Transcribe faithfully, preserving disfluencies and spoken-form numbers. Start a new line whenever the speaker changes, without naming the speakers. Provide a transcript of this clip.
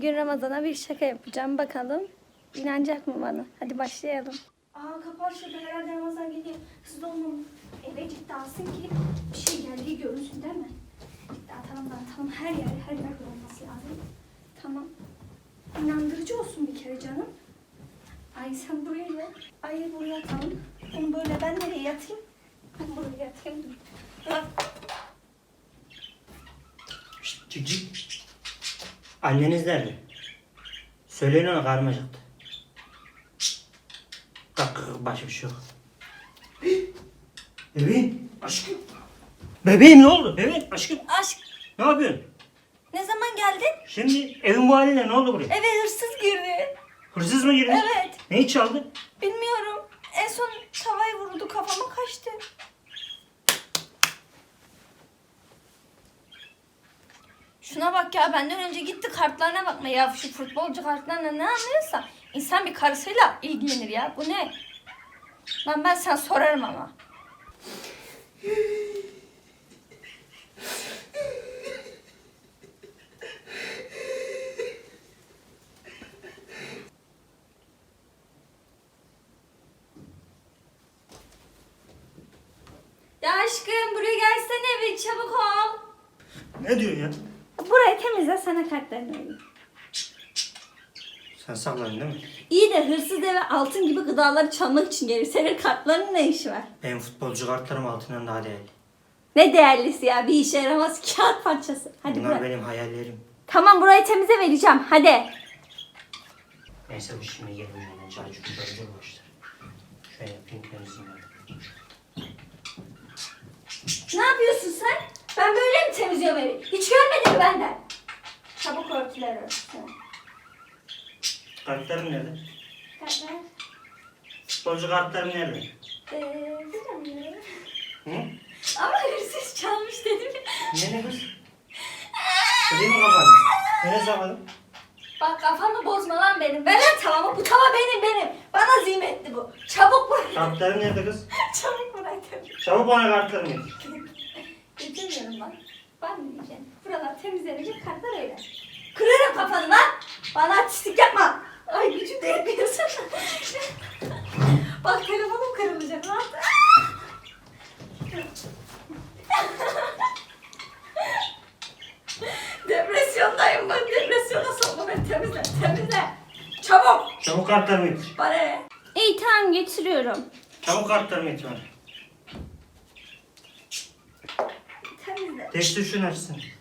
Bugün Ramazan'a bir şaka yapacağım. Bakalım inanacak mı bana? Hadi başlayalım. Aa kapat şurada, herhalde Ramazan geliyor. Hızlı olmam. Eve ciddi alsın ki bir şey geldiği görünsün değil mi? Ciddi atalım da atalım. Her yer her yer olması lazım. Tamam. İnandırıcı olsun bir kere canım. Ay sen buraya gel. Ay buraya atalım. Onu böyle ben nereye yatayım? Ben buraya yatayım. Dur. Bak.
Şşt, cik cik. Anneniz nerede? Söyleyin ona, karnım acıktı. Kalk kalk, başka bir şey yok. Bebeğim, aşkım. Bebeğim ne oldu? Bebeğim, aşkım.
Aşk,
Ne yapıyorsun?
ne zaman geldin?
Şimdi evin bu haline ne oldu buraya?
Eve hırsız girdi.
Hırsız mı girdi?
Evet.
Neyi çaldı?
Bilmiyorum. En son tavayı vurdu, kafama kaçtı. Şuna bak ya, benden önce gitti kartlarına bakma ya. Şu futbolcu kartlarına ne anlıyorsa insan bir karısıyla ilgilenir ya. Bu ne? Lan ben sen sorarım ama. Ya aşkım buraya gelsene bir, çabuk ol.
Ne diyor ya?
Burayı temizle, sana kartlarını vereyim.
Sen sakladın değil mi?
İyi de hırsız eve altın gibi gıdaları çalmak için gelir. Senin kartlarının ne işi var?
Benim futbolcu kartlarım altından daha değerli.
Ne değerlisi ya, bir işe yaramaz kağıt parçası. Hadi
Bunlar
bırak.
benim hayallerim.
Tamam, burayı temize vereceğim, hadi.
Neyse bu şimdi gelin. Çaycık güzel başlar. Şöyle yapayım, temizleyeyim.
Ne yapıyorsun sen? Ben böyle mi temizliyorum evi? Hiç görmedin mi benden? Çabuk örtüler örtüsün.
Kartlarım nerede?
Kartlar.
Futbolcu kartlarım nerede?
Eee, bilmiyorum.
Hı?
Ama hırsız çalmış dedim ya.
Ne ne kız? Kırayım mı kafanı? Nereye sakladın?
Bak kafamı bozma lan benim. Ver lan tavamı. Bu tava benim benim. Bana zimmetli bu. Çabuk bırak.
Kartlarım nerede kız?
Çabuk bırak.
Çabuk bana kartlarımı getir.
Getirmiyorum lan. Ben mi diyeceğim? Buralar temizlenecek, kartlar öyle. Kırarım kafanı lan. Bana artistlik yapma. Ay gücüm de yetmiyorsun. Bak telefonum kırılacak lan. Depresyondayım ben. Depresyona sokma beni. Temizle. Temizle. Çabuk.
Çabuk kartlarımı getir.
Bana ne? İyi tamam, getiriyorum.
Çabuk kartlarımı getir bana.
Temizle.
Teşhis şunu açsın.